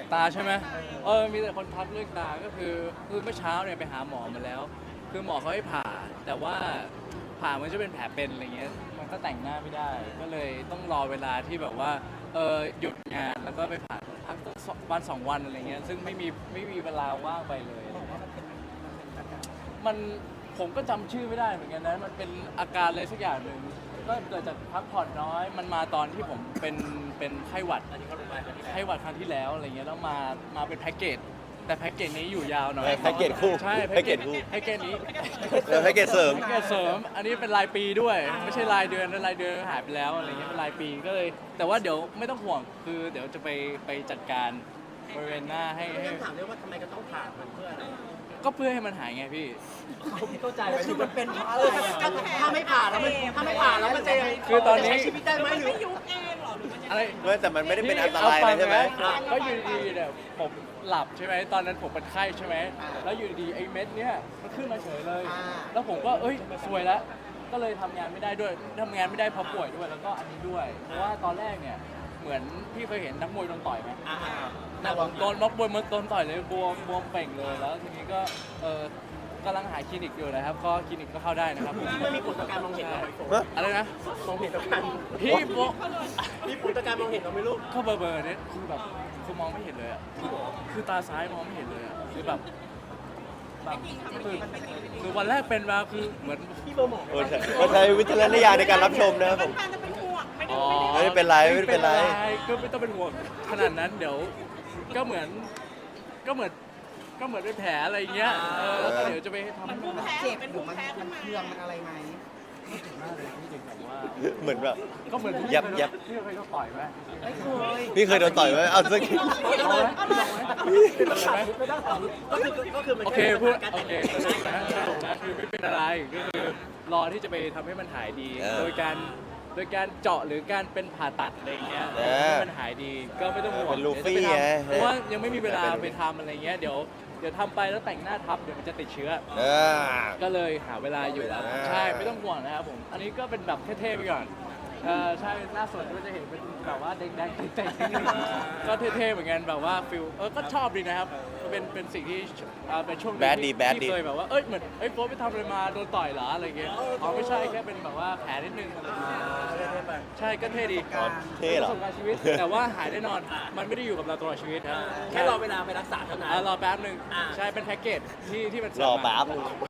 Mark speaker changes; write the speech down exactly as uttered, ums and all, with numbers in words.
Speaker 1: ตาใช่ไหมเออมีแต่คนทักเรื่องตาก็คือคือเมื่อเช้าเนี่ยไปหาหมอมาแล้ว คือหมอเขาให้ผ่าแต่ว่าผ่ามันจะเป็นแผลเป็นอะไรเงี้ยมันก็แต่งหน้าไม่ได้ ก็เลยต้องรอเวลาที่แบบว่าเออหยุดงานแล้วก็ไปผ่าพักสักวันสองวันอะไรเงี้ยซึ่งไม่มีไม่มีเวลาว่างไปเลย มันผมก็จำชื่อไม่ได้เหมือนกันนะมันเป็นอาการอะไรสักอย่างหนึ่งก็เกิดจากพักผ่อนน้อย มันมาตอนที่ผมเป็นเป็นไข้หวัดไข้หวัดครั้งที่แล้วอะไรเงี้ยแล้วมามาเป็นแพ็กเกจแต่แพ็กเกจนี้อยู่ยาวหน่อย
Speaker 2: แพ็กเกจคู่
Speaker 1: ใช่
Speaker 2: แพ็กเกจคู่
Speaker 1: แพ็กเกจนี้
Speaker 2: แล้วแพ็กเกจเสริม
Speaker 1: แพ็กเกจเสริม อันนี้เป็นรายปีด้วย ไม่ใช่รายเดือนนะรายเดือนหายไปแล้วอะไรเงี้ยเป็นรายปีก็เลย แต่ว่าเดี๋ยวไม่ต้องห่วงคือเดี๋ยวจะไปไปจัดการบริเวณหน้าให้ให้
Speaker 3: เรื่องถามเรื่องว่าทำไมก็ต้องผ่ามันเพื่ออะไร
Speaker 1: ก็เพื่อให้มันหายไงพี่
Speaker 3: ผมเข้าใจคือมันเป็นเพราะอะไรถ้าถ้าไม่ผ่าแล้วมันถ้าไม่ผ่าแล้วมันจะ
Speaker 1: คือตอนนี้
Speaker 3: จะใช้ชีวิตได้ไหมหรือ
Speaker 4: ไม่ยุบเองเหรอหรือมันยังไง
Speaker 1: อะไร
Speaker 2: ไม่แต่มันไม่ได้เป็นอันตรายอะไรใช่ไหม
Speaker 1: เอาฟังนะก็อยู่ดีๆเนี่ยผมหลับใช่ไหมตอนนั้นผมเป็นไข้ใช่ไหมแล้วอยู่ดีๆไอ้เม็ดเนี้ยมันขึ้นมาเฉยเลย แล้วผมก็เอ้ยซวยแล้วก็เลยทำงานไม่ได้ด้วยทำงานไม่ได้เพราะป่วยด้วยแล้วก็อันนี้ด้วย เพราะว่าตอนแรกเนี่ยเหมือนพี่เคยเห็นนักมวยโดนต่อยไหม
Speaker 3: อ่า
Speaker 1: แต่ผมโดนนักมวยมันโดนต่อยเลยบวมบวมเป่งเลยแล้วทีนี้ก็เออกำลังหาคลินิกอยู่นะครับก็คลินิกก็เข้าได้นะครับ
Speaker 3: ที่มันมีผลต่อการมองเห็นเราไหมโฟ
Speaker 1: อะไรนะ
Speaker 3: มองเห็นต่อการ
Speaker 1: พี่โบ
Speaker 3: มีผลต่อการมองเห็นเราไหม่รู้
Speaker 1: เข้าเบอร์เบอร์เนี่ยคือแบบคือมองไม่เห็นเลยอ่ะคือคือตาซ้ายมองไม่เห็นเลยอ่ะคือแบบแบบคือคือวันแรกเป็นมาคือเหมือน
Speaker 3: พี่เบอร์หมอ
Speaker 2: โอ้ใช่ก็ใช้วิจารณญาณในการรับชมนะครับผม
Speaker 4: แฟนๆจะเป็นห่วงไม่ได้
Speaker 1: อ๋อ
Speaker 2: ไม่ได้เป็นไรไม่ได้เป็นไร
Speaker 1: ก็ไม่ต้องเป็นห่วงขนาดนั้นเดี๋ยวก็เหมือนก็เหมือนก็เหมือนเป็นแผลอะไรอย่างเงี้ยเออแล้วก็เดี๋ยวจะไปทำ
Speaker 4: มันภูมิแพ้เป็นภูมิแพ้ขึ้นมา
Speaker 3: เครื่องมันอะไรไหม
Speaker 1: มากเลยพี่จริงแบบว่า
Speaker 2: เหมือนแบบ
Speaker 1: ก็เหมือนพี่
Speaker 2: ยับยับ
Speaker 1: พี่เคยโดนต่อยไหม
Speaker 3: ไม่เคย
Speaker 2: พี่เคยโดนต่อยไหมเอาสัก
Speaker 1: เอาไหมเอาไหม
Speaker 3: ไม่ได้ถามก็คือก็คือมัน
Speaker 1: โอเคพูด
Speaker 3: การ
Speaker 1: โอ
Speaker 3: แต่ง
Speaker 1: เคนะคือไม่เป็นอะไรก็คือรอที่จะไปทำให้มันหายดี โดยการโดยการเจาะหรือการเป็นผ่าตัดอะไรอย่างเงี้ยให้มันหายดีก็ไม่ต้องห่วง
Speaker 2: เป็นลูฟี่
Speaker 1: เดี๋ยวจะ
Speaker 2: ไง
Speaker 1: ไปทำเพราะว่ายังไม่มีเวลาไปทำอะไรเงี้ยเดี๋ยวเดี๋ยวทำไปแล้วแต่งหน้าทับเดี๋ยวมันจะติดเชื้อ
Speaker 2: เออ
Speaker 1: ก็เลยหาเวลาอยู่แล้ว
Speaker 2: อ่า
Speaker 1: ใช่ไม่ต้องห่วงนะครับผมอันนี้ก็เป็นแบบเท่ๆไปก่อนเออใช่หน้าสดก็จะเห็นเป็นแบบว่าแดงๆเต่งๆนิดนึงก็เท่ๆเหมือนกันแบบว่าฟิลเออก็ชอบดีนะครับเป็นเป็นสิ่งที่เอ่อเป็นช่วงหนึ่ง
Speaker 2: แบดดี
Speaker 1: ที่
Speaker 2: แบดดี
Speaker 1: ที่เคยแบบว่าเอ้ยเหมือนเอ้ยโป๊ปไปทำอะไรมาโดนต่อยเหรออะไรเงี้ยอ๋อไม่ใช่แค่เป็นแบบว่าแผลนิดนึงอะไรเงี้ยใช่ก็เท่ดี
Speaker 2: อ๋อเท่เหรอ
Speaker 1: ประสบการณ์ชีวิต แต่ว่าหายแน่นอนมันไม่ได้อยู่กับเราตลอดชีวิตครับ
Speaker 3: แค่รอเวลาไปรักษาเท่านั้น
Speaker 1: อ่ารอแป๊บหนึ่ง
Speaker 3: อ่า
Speaker 1: ใช่เป็นแพ็กเกจที่ที่มัน
Speaker 2: รอแป๊บนึง